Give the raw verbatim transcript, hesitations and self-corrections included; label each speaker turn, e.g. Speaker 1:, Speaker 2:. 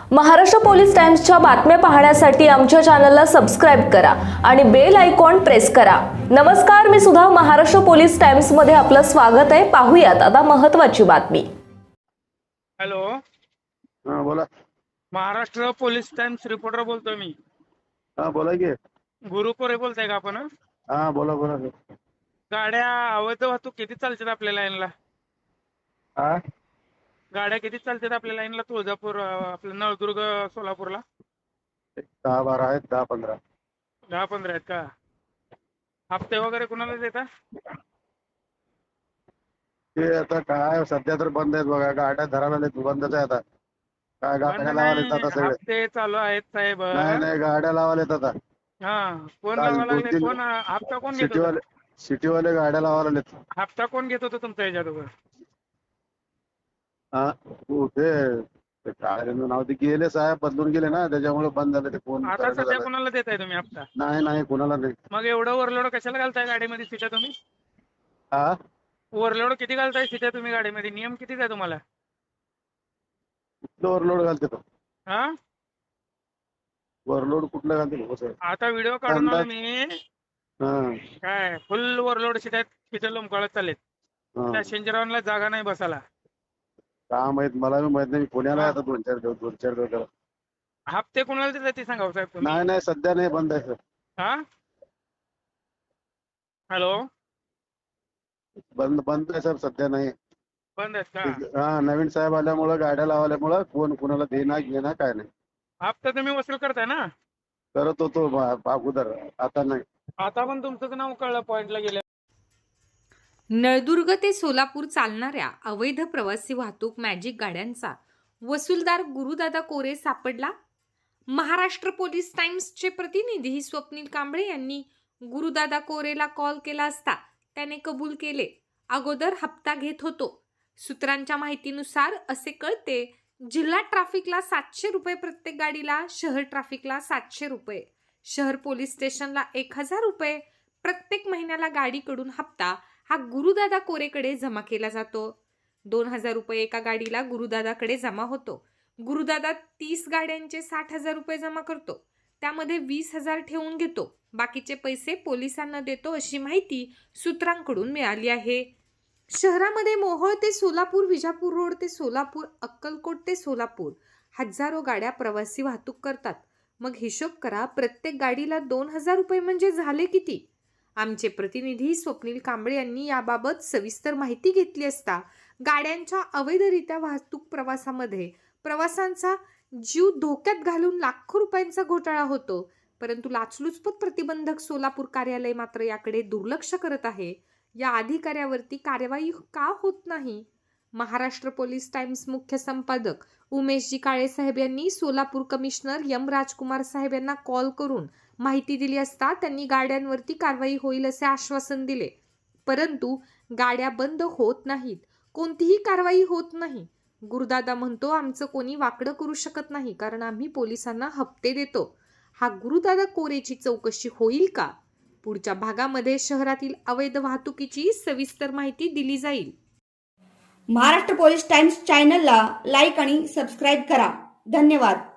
Speaker 1: Maharashtra police टाइम्सच्या बातम्या पाहण्यासाठी आमच्या चॅनलला सबस्क्राइब करा आणि बेल आयकॉन प्रेस करा। नमस्कार, मी सुधा, महाराष्ट्र पोलीस टाइम्स मध्ये आपलं स्वागत आहे। पाहूयात आता महत्त्वाची बातमी।
Speaker 2: हॅलो,
Speaker 3: हा बोला।
Speaker 2: महाराष्ट्र पोलीस टाइम्स रिपोर्टर बोलतोय मी।
Speaker 3: हा बोला की।
Speaker 2: गुरु कोरे बोलताय का आपण?
Speaker 3: हा बोला बोला।
Speaker 2: गाड्या अवैध वाहतूक किती चालतात आपल्या लाईनला?
Speaker 3: हा
Speaker 2: गाड्या किती चालतात आपल्या लाईनला? तुळजापूर, आपलं नळदुर्ग, सोलापूरला
Speaker 3: एक दहा बारा आहेत, दहा पंधरा
Speaker 2: दहा पंधरा आहेत का? हप्ते वगैरे कुणाला देता?
Speaker 3: ते आता काय सध्या तर बंद आहेत बघा, गाड्या धरायला बंदच आहे आता। काय
Speaker 2: बंद
Speaker 3: गाड्या लावायला
Speaker 2: नाही,
Speaker 3: आता सगळे?
Speaker 2: हप्ते चालू आहेत साहेब।
Speaker 3: नाही नाही, गाड्या लावायला आता।
Speaker 2: हा, कोण
Speaker 3: काल
Speaker 2: लावा
Speaker 3: दोन
Speaker 2: लागले?
Speaker 3: तीन
Speaker 2: कोण हप्ता कोण घेत
Speaker 3: सिटीवाले
Speaker 2: होता?
Speaker 3: सिटीवाले गाड्या लावायला
Speaker 2: हप्ता कोण घेत होता तुमच्या ह्याच्यावर?
Speaker 3: हा ते ते काय त्यांचं नाव, ते गेले साहेब, बदलून गेले ना, त्याच्यामुळे बंद झालं ते। फोन
Speaker 2: आता
Speaker 3: करायला
Speaker 2: सध्या
Speaker 3: झालं
Speaker 2: कोणाला देताय तुम्ही हप्ता?
Speaker 3: नाही नाही, कुणाला नाही।
Speaker 2: मग एवढं ओव्हरलोड कशाला घालताय गाडीमध्ये सीटा तुम्ही?
Speaker 3: हा
Speaker 2: ओव्हरलोड किती घालताय सीटा तुम्ही गाडीमध्ये? नियम किती आहे तुम्हाला?
Speaker 3: कुठलं ओव्हरलोड घालते तो?
Speaker 2: हा,
Speaker 3: ओव्हरलोड कुठलं घालते हो सर?
Speaker 2: आता व्हिडिओ काढून आलो मी।
Speaker 3: हा
Speaker 2: काय फुल ओव्हरलोड सीट आहेत, तिथे लोंबकाळत चाललेत।
Speaker 3: हा,
Speaker 2: पॅसेंजरांना जागा नाही बसायला।
Speaker 3: का माहित, मला बी माहित नाही। मी पुण्याला आहे
Speaker 2: हा.
Speaker 3: आता दोन चार दिवस दोन चार दिवस झाले।
Speaker 2: हप्ते कोणाला देतात ते सांगा साहेब तुम्ही।
Speaker 3: नाही नाही, सध्या नाही, बंद आहे सर।
Speaker 2: हा, हॅलो,
Speaker 3: बंद बंद आहे सर, सध्या नाही।
Speaker 2: बंद आहेत का?
Speaker 3: हा, नवीन साहेब आल्यामुळं, गाड्या लावल्यामुळं कोण कुणाला देणार घेणार काय नाही।
Speaker 2: हप्ता तुम्ही वसूल करताय ना?
Speaker 3: करत होतो बा- अगोदर, आता नाही।
Speaker 2: आता पण तुमचं नाव कळलं, पॉइंटला गेलं।
Speaker 4: नळदुर्ग ते सोलापूर चालणाऱ्या अवैध प्रवासी वाहतूक मॅजिक गाड्यांचा वसूलदार गुरुदादा कोरे सापडला। महाराष्ट्र पोलीस टाइम्सचे प्रतिनिधी स्वप्नील कांबळे यांनी गुरुदादा कोरेला कॉल केला असता त्याने कबूल केले, अगोदर हप्ता घेत होतो। सूत्रांच्या माहितीनुसार असे कळते, जिल्हा ट्रॅफिकला सातशे रुपये प्रत्येक गाडीला, शहर ट्रॅफिकला सातशे रुपये, शहर पोलीस स्टेशनला एक हजार रुपये प्रत्येक महिन्याला गाडीकडून हप्ता हा गुरुदादा कोरेकडे जमा केला जातो। दोन हजार रुपये एका गाडीला गुरुदादाकडे जमा होतो। गुरुदादा तीस गाड्यांचे साठ हजार रुपये जमा करतो, त्यामध्ये वीस हजार ठेवून घेतो, बाकीचे पैसे पोलिसांना देतो, अशी माहिती सूत्रांकडून मिळाली आहे। शहरामध्ये मोहोळ ते सोलापूर, विजापूर रोड ते सोलापूर, अक्कलकोट ते सोलापूर हजारो गाड्या प्रवासी वाहतूक करतात। मग हिशोब करा, प्रत्येक गाडीला दोन हजार रुपये म्हणजे झाले किती? आमचे प्रतिनिधी स्वप्नील कांबळे यांनी याबाबत सविस्तर माहिती घेतली असता गाड्यांच्या अवैधरित्या वाहतूक प्रवासामध्ये प्रवाशांचा जीव धोक्यात घालून लाखो रुपयांचा घोटाळा होतो, परंतु लाचलुचपत प्रतिबंधक सोलापूर कार्यालय मात्र याकडे दुर्लक्ष करत आहे। या अधिकाऱ्यावरती कारवाई का होत नाही? महाराष्ट्र पोलीस टाइम्स मुख्य संपादक उमेशजी काळे साहेब यांनी सोलापूर कमिशनर यम राजकुमार साहेब यांना कॉल करून माहिती दिली असता त्यांनी गाड्यांवरती कारवाई होईल असे आश्वासन दिले, परंतु गाड्या बंद होत नाहीत, कोणतीही कारवाई होत नाही। गुरुदादा म्हणतो, आमचं कोणी वाकडं करू शकत नाही, कारण आम्ही पोलिसांना हप्ते देतो। हा गुरुदादा कोरेची चौकशी होईल का? पुढच्या भागामध्ये शहरातील अवैध वाहतुकीची सविस्तर माहिती दिली जाईल।
Speaker 5: महाराष्ट्र पोलीस टाइम्स चॅनलला लाईक आणि सबस्क्राईब करा। धन्यवाद।